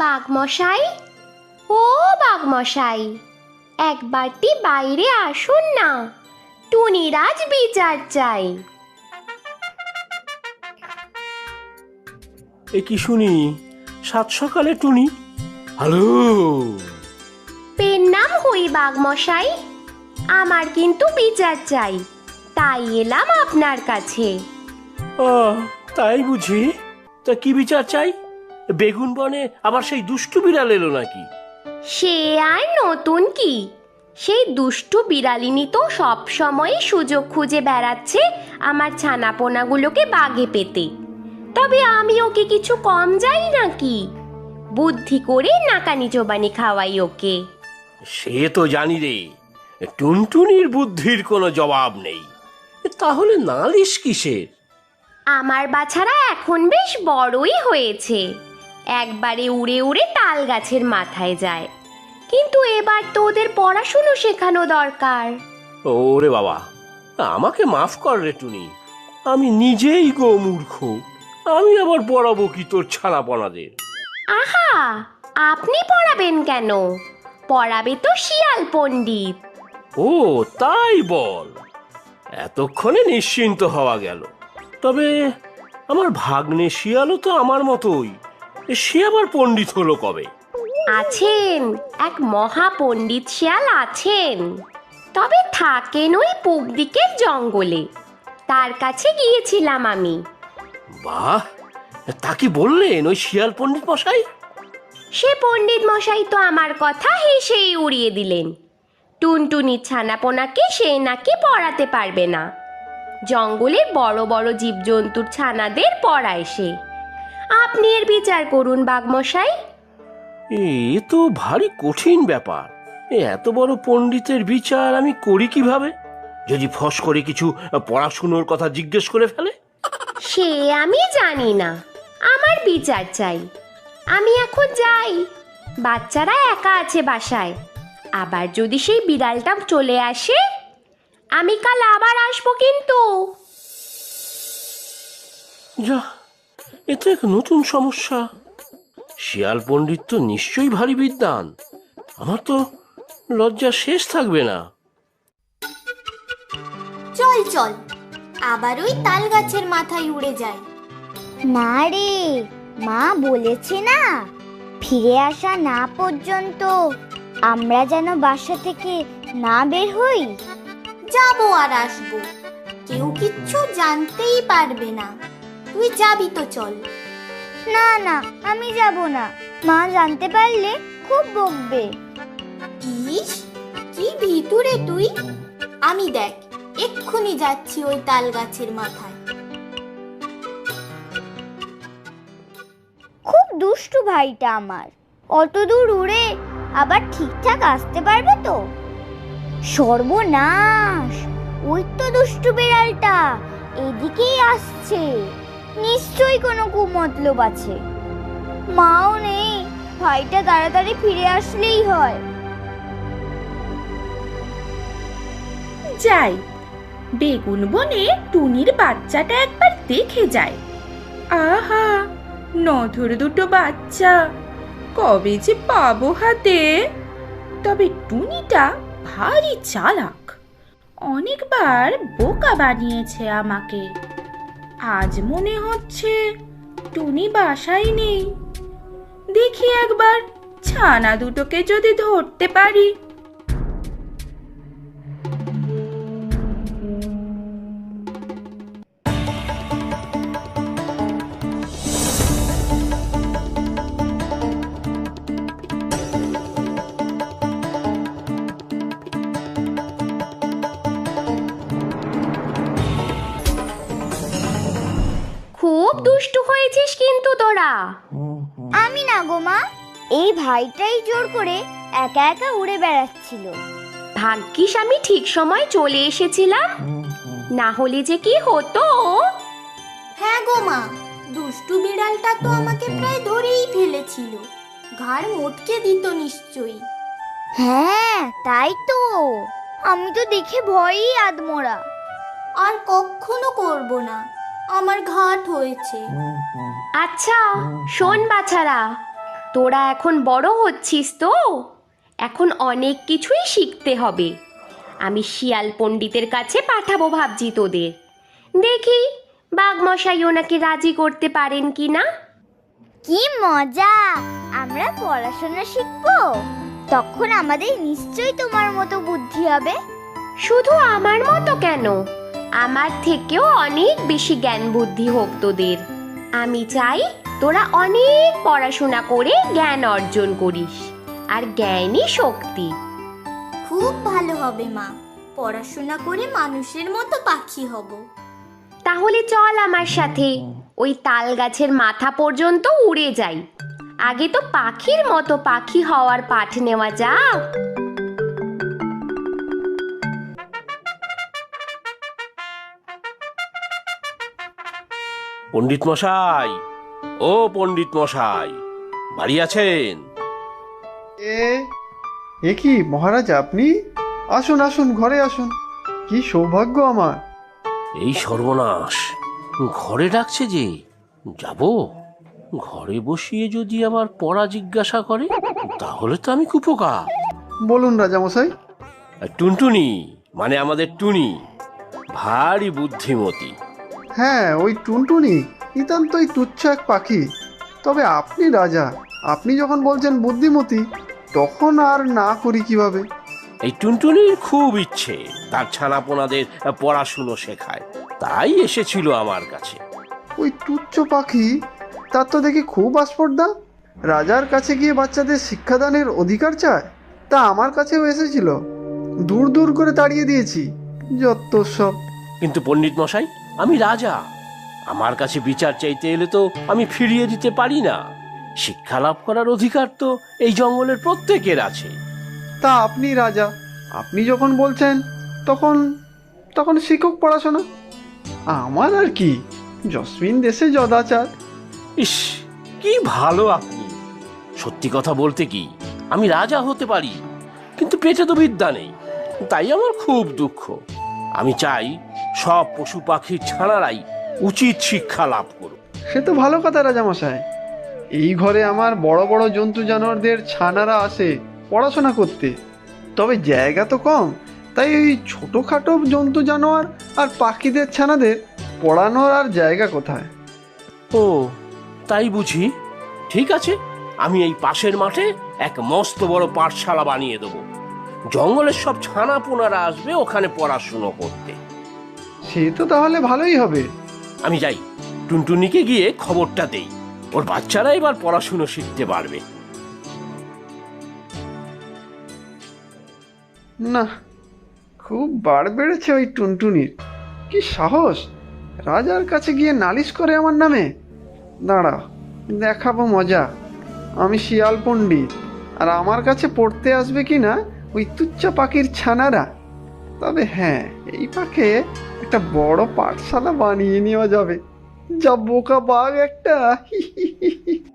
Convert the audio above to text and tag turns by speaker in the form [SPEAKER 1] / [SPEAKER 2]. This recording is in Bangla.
[SPEAKER 1] বাঘমশাই, ও বাঘমশাই, একবারটি বাইরে আসুন না, টুনির আজ বিচার চাই।
[SPEAKER 2] এ কি শুনি, সাত সকালে টুনি? হ্যালো।
[SPEAKER 1] পেন নাম হই বাঘমশাই, আমার কিন্তু বিচার চাই, তাই এলাম আপনার কাছে।
[SPEAKER 2] তাই বুঝি? তা কি বিচার চাই? বেগুন বনে আবার সেই দুষ্টু বিড়াল এলো নাকি?
[SPEAKER 1] সে আর নতুন কি, সেই দুষ্টু বিড়ালিনী তো সব সময় সুযোগ খুঁজে বেড়াচ্ছে আমার ছানাপোনাগুলোকে বাগে পেতে। তবে আমি ওকে কিছু কম যাই নাকি, বুদ্ধি করে নাকানি চোবানি খাওয়াই ওকে।
[SPEAKER 2] সে তো জানি রে, টুনটুনির বুদ্ধির কোনো জবাব নেই। তাহলে নালিশ কিসের?
[SPEAKER 1] আমার বাছারা এখন বেশ বড়ই হয়েছে, একবারে উড়ে উড়ে তাল গাছের মাথায় যায়, কিন্তু এবার তো ওদের পড়াশুনো শেখানো দরকার।
[SPEAKER 2] ওরে বাবা, আমাকে মাফ কর রে টুনি, আমি নিজেই গো মূর্খ। আমি আবার পড়াবো কি তোর ছানাপনাদের?
[SPEAKER 1] আহা, আপনি পড়াবেন কেন? পড়াবে তো শিয়াল পণ্ডিত।
[SPEAKER 2] ও তাই বল, এতক্ষণে নিশ্চিন্ত হওয়া গেল। তবে আমার ভাগ্নে শিয়ালও তো আমার মতোই, সে আবার পণ্ডিত হলো কবে?
[SPEAKER 1] আছেন, এক মহা পণ্ডিত শিয়াল আছেন, তবে থাকেন ওই পূব দিকের জঙ্গলে, তার কাছে গিয়েছিলাম আমি।
[SPEAKER 2] বাহ, তা কি বললেন ওই শিয়াল পণ্ডিত মশাই?
[SPEAKER 1] সে পণ্ডিত মশাই তো আমার কথা হেসেই উড়িয়ে দিলেন, টুনটুনির ছানাপোনাকে সে নাকি পড়াতে পারবে না, জঙ্গলের বড় বড় জীবজন্তুর ছানাদের পড়ায় সে। আপনি এর বিচার করুন বাঘমশাই।
[SPEAKER 2] এ তো ভারী কঠিন ব্যাপার। এত বড় পণ্ডিতের বিচার আমি করি কিভাবে? যদি ফস করে কিছু পড়াশুনোর কথা জিজ্ঞেস করে ফেলে?
[SPEAKER 1] সে আমি জানি না, আমার বিচার চাই। আমি এখন যাই, বাচ্চারা একা আছে বাসায়, আবার যদি সেই বিড়ালটা চলে আসে, আমি কাল আবার আসবো কিন্তু।
[SPEAKER 2] যা, এ তো এক নতুন সমস্যা। শিয়াল পণ্ডিত তো নিশ্চয়ই ভারী বিদ্বান, আমার তো লজ্জা শেষ থাকবে না।
[SPEAKER 3] চল চল, আবার ওই তাল গাছের মাথায় উড়ে যাই।
[SPEAKER 4] না রে, মা বলেছে না, ফিরে আসা না পর্যন্ত আমরা যেন বাসা থেকে না বের হই।
[SPEAKER 3] যাবো আর আসবো, কেউ কিচ্ছু জানতেই পারবে না। তুই যাবি তো চল।
[SPEAKER 4] না না, আমি যাব না, মা জানতে পারলে খুব বকবে।
[SPEAKER 3] ইস, কি ভিতুরে তুই! আমি দেখ এক্ষুনি যাচ্ছি ওই তাল গাছের মাথায়।
[SPEAKER 4] খুব দুষ্টু ভাইটা আমার, অত দূর উড়ে আবার ঠিকঠাক আসতে পারবে তো? সর্বনাশ, ওই তো দুষ্টু বিড়ালটা এদিকেই আসছে, নিশ্চয়ই কোনো কুমতলব আছে। মাও নেই, ভাইটা তাড়াতাড়ি ফিরে আসলেই হয়।
[SPEAKER 5] যাই, বেগুন বনে টুনির বাচ্চাটা একবার দেখে যায়। আহা, নধর দুটো বাচ্চা, কবে যে পাবো হাতে। তবে টুনিটা ভারী চালাক, অনেকবার বোকা বানিয়েছে আমাকে। আজ মনে হচ্ছে টুনি বাসায় নেই, দেখি একবার ছানা দুটোকে যদি ধরতে পারি।
[SPEAKER 1] খুব দুষ্টু হয়েছিস কিন্তু তোরা।
[SPEAKER 4] আমি না গো মা, এই ভাইটাই জোর করে একা একা উড়ে বেড়াচ্ছিল।
[SPEAKER 1] ভাগ্যিস আমি ঠিক সময় চলে এসেছিলাম, না হলে যে কি হতো।
[SPEAKER 3] হ্যাঁ গো মা, দুষ্টু বিড়ালটা তো আমাকে প্রায় ধরেই ফেলেছিল, ঘাড় মোটকে দিত নিশ্চয়ই।
[SPEAKER 4] হ্যাঁ তাই তো, আমি তো দেখে ভয়ই আদমোরা।
[SPEAKER 3] আর কখনো করব না, আমার ঘাট হয়েছে।
[SPEAKER 1] আচ্ছা শোন বাছারা, তোরা এখন বড় হচ্ছিস তো, এখন অনেক কিছুই শিখতে হবে। আমি শিয়াল পণ্ডিতের কাছে পাঠাবো ভাবছি তোদের। দেখি বাঘমশাই ওনাকে রাজি করতে পারেন কি না।
[SPEAKER 4] কি মজা! আমরা পড়াশোনা শিখবো, তখন আমাদের নিশ্চয়ই তোমার মতো বুদ্ধি হবে।
[SPEAKER 1] শুধু আমার মতো কেন, আমার থেকেও অনেক বেশি জ্ঞান বুদ্ধি হোক তোদের। আমি চাই তোরা অনেক পড়াশোনা করে জ্ঞান অর্জন করিস, আর জ্ঞানই শক্তি।
[SPEAKER 3] খুব ভালো হবে মা, পড়াশোনা করে মানুষের মতো পাখি হব।
[SPEAKER 1] তাহলে চল আমার সাথে, ওই তাল গাছের মাথা পর্যন্ত উড়ে যাই। আগে তো পাখির মতো পাখি হওয়ার পাঠ নেওয়া যাক।
[SPEAKER 2] পণ্ডিত মশাই, ও পণ্ডিত মশাই, বাড়ি আছেন?
[SPEAKER 6] এ কি মহারাজ, আপনি আসুন আসুন, ঘরে আসুন। কি সৌভাগ্য আমার।
[SPEAKER 2] এই সর্বনাশ, ঘরে ডাকছে যে, যাব? ঘরে বসিয়ে যদি আবার পড়া জিজ্ঞাসা করে, তাহলে তো আমি কুপোকা।
[SPEAKER 6] বলুন রাজামশাই।
[SPEAKER 2] টুনটুনি, মানে আমাদের টুনি, ভারী বুদ্ধিমতী।
[SPEAKER 6] হ্যাঁ, ওই টুনটুনি নিতান্তই তুচ্ছ এক পাখি। তবে আপনি রাজা, আপনি যখন বলছেন বুদ্ধিমতী, তখন আর না করি কিভাবে?
[SPEAKER 2] এই টুনটুনির খুব ইচ্ছে তার ছানাপোনাদের পড়াশুনো শেখায়, তাই এসেছিল আমার কাছে।
[SPEAKER 6] ওই তুচ্ছ পাখি, তার তো দেখি খুব আস্পর্ধা। রাজার কাছে গিয়ে বাচ্চাদের শিক্ষাদানের অধিকার চায়। তা আমার কাছেও এসেছিল, দূর দূর করে তাড়িয়ে দিয়েছি। যত সব।
[SPEAKER 2] কিন্তু পণ্ডিত মশাই, আমি রাজা, আমার কাছে বিচার চাইতে এলে তো আমি ফিরিয়ে দিতে পারি না। শিক্ষা লাভ করার অধিকার তো এই জঙ্গলের প্রত্যেকের আছে।
[SPEAKER 6] তা আপনি রাজা, আপনি যখন বলছেন, তখন তখন শিক্ষক পড়াশোনা। আমার আর কি, জসমিন দেশে যদাচার।
[SPEAKER 2] ইস, কি ভালো আপনি! সত্যি কথা বলতে কি, আমি রাজা হতে পারি, কিন্তু পেটে তো বিদ্যা নেই। তাই আমার খুব দুঃখ। আমি চাই সব পশু পাখির ছানারাই উচিত শিক্ষা লাভ করুক।
[SPEAKER 6] সে তো ভালো কথা রাজামশাই। এই ঘরে আমার বড় বড় জন্তু জানোয়ারদের ছানারা আসে পড়াশোনা করতে, তবে জায়গা তো কম। তাই ওই ছোটোখাটো জন্তু জানোয়ার আর পাখিদের ছানাদের পড়ানোর আর জায়গা কোথায়?
[SPEAKER 2] ও, তাই বুঝি? ঠিক আছে, আমি এই পাশের মাঠে এক মস্ত বড় পাঠশালা বানিয়ে দেবো। জঙ্গলের সব ছানাপোনারা আসবে ওখানে পড়াশুনো করতে।
[SPEAKER 6] সে তো তাহলে ভালোই হবে।
[SPEAKER 2] আমি যাই, টুনটুনিকে গিয়ে খবরটা দেই, ওর বাচ্চারা এবার পড়াশুনো শিখতে পারবে।
[SPEAKER 6] না, খুব বাড় বেড়েছে ওই টুনটুনির। কি সাহস, রাজার কাছে গিয়ে নালিশ করে আমার নামে। দাঁড়া, দেখাবো মজা। আমি শিয়াল পণ্ডিত, আর আমার কাছে পড়তে আসবে কি না ওই তুচ্ছ পাখির ছানারা। তবে হ্যাঁ, এই পাখে একটা বড় পাঠশালা বানিয়ে নেওয়া যাবে। যা বোকা বাঘ একটা।